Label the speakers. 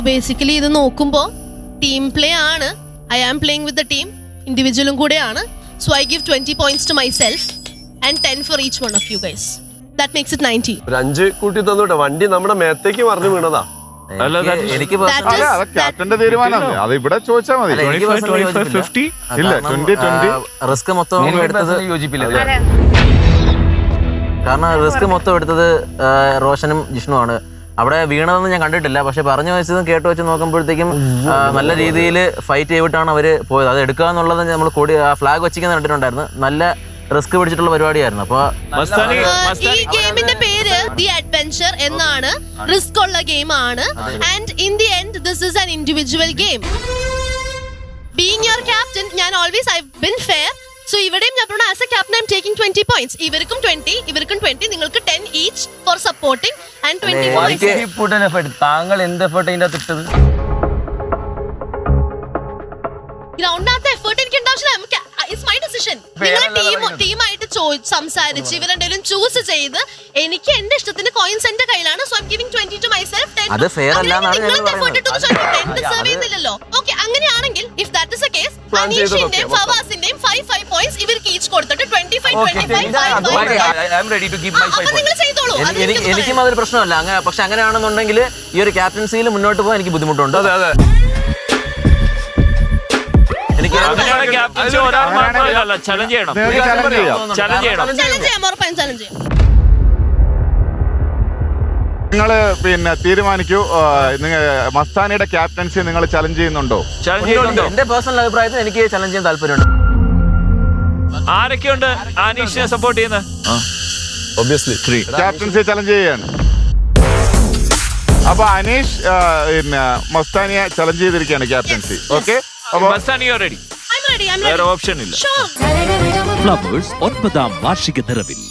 Speaker 1: Basically ഇത് നോക്കുമ്പോൾ team play ആണ്. I am playing with the team, ഇൻഡിവിജ്വലും കൂടെയാണ്. So I give 20 points to myself and 10 for each one of you guys. That makes it 90.
Speaker 2: ഒരു 5 കൂട്ടി തന്നോട്ടെ. വണ്ടി നമ്മുടെ മേത്തേക്ക് മറിഞ്ഞു വീണതാ.
Speaker 3: എനിക്ക്
Speaker 4: ക്യാപ്റ്റന്റെ തീരുമാനമാണ്. അത് ഇവിടെ ചോദിച്ചാൽ മതി. ഇല്ല 20-20
Speaker 3: റിസ്ക് മൊത്തം എടുത്തത് യോജിപ്പില്ല. കാരണം റിസ്ക് മൊത്തം എടുത്തത് റോഷനും ജിഷ്ണുവാണ്. അവിടെ വീണതെന്ന് ഞാൻ കണ്ടിട്ടില്ല, പക്ഷെ പറഞ്ഞു വെച്ചതും കേട്ട് വെച്ച് നോക്കുമ്പോഴത്തേക്കും നല്ല രീതിയിൽ ഫൈറ്റ് ചെയ്തിട്ടാണ് അവര് പോയത്. അത് എടുക്കുക എന്നുള്ളത് നമ്മൾ കൂടി ഫ്ലാഗ് വെച്ചിരിക്കുന്ന കണ്ടിട്ടുണ്ടായിരുന്നു. നല്ല റിസ്ക് പിടിച്ചിട്ടുള്ള പരിപാടിയായിരുന്നു. അപ്പൊ
Speaker 1: ഈ ഗെയിമിന്റെ പേര് ദി അഡ്വെഞ്ചർ എന്നാണ്. റിസ്ക് ഉള്ള ഗെയിം ആണ്. And in the end this is an individual game. Being your captain, ഞാൻ ഓൾവേസ് ഐ ബീൻ ഫെയർ. സോ ഇവിടെയും ഞാൻ പറഞ്ഞു as a captain I am taking 20 points. ഇവർക്കും 20, ഇവർക്കും 20, നിങ്ങൾക്ക് 10 each for supporting and 20 for myself.
Speaker 3: താങ്കൾ എന്ത് എഫേർട്ട് അതിന്റെ അകത്ത് ഇട്ടത്?
Speaker 1: ഗ്രൗണ്ടിനകത്ത് എഫേർട്ട് എനിക്ക് ഉണ്ടാവശ്യമില്ല. It's my decision. നിങ്ങൾ ടീമായിട്ട് സംസാരിച്ച് ഇവരെന്തെങ്കിലും ചൂസ് ചെയ്ത് എനിക്ക് എന്റെ ഇഷ്ടത്തിന് കോയിൻസ് എന്റെ കയ്യിലാണ്. So I am giving 20 to myself, 10
Speaker 3: അത് ഫെയർ അല്ലാന്നാണ് ഞാൻ പറയുന്നത്.
Speaker 1: ഡിസേർവ് ചെയ്യുന്നില്ലല്ലോ. ഓക്കെ, അങ്ങനെയാണെങ്കിൽ if that is a case അനീഷിന്റെയും ഫവാസിന്റെയും 5 points ഇവർക്ക് ഈച്ച് കൊടുത്തിട്ട് 25 നിങ്ങൾ ചെയ്തോളൂ.
Speaker 3: എനിക്കും അതൊരു പ്രശ്നമല്ല. പക്ഷെ അങ്ങനെയാണെന്നുണ്ടെങ്കിൽ ഈ ഒരു ക്യാപ്റ്റൻസിയിൽ മുന്നോട്ട് പോകാൻ എനിക്ക് ബുദ്ധിമുട്ടുണ്ട്.
Speaker 4: നിങ്ങള് പിന്നെ തീരുമാനിക്കൂ. മസ്താനിയുടെ ക്യാപ്റ്റൻസി നിങ്ങൾ ചലഞ്ച് ചെയ്യുന്നുണ്ടോ?
Speaker 3: എന്റെ പേഴ്സണൽ അഭിപ്രായത്തിൽ എനിക്ക് ചലഞ്ച് ചെയ്യാൻ താല്പര്യമുണ്ട്.
Speaker 5: ആരൊക്കെയുണ്ട് അനീഷിനെ സപ്പോർട്ട് ചെയ്യുന്നത്?
Speaker 4: ക്യാപ്റ്റൻസി ചലഞ്ച് ചെയ്യാണ്. അപ്പൊ അനീഷ് പിന്നെ മസ്താനിയെ ചലഞ്ച് ചെയ്തിരിക്കുകയാണ് ക്യാപ്റ്റൻസി. Okay,
Speaker 5: Mastani ready? വേറെ ഓപ്ഷൻ ഇല്ല.
Speaker 6: ഫ്ലവേഴ്സ് 9ാം വാർഷിക നിറവിൽ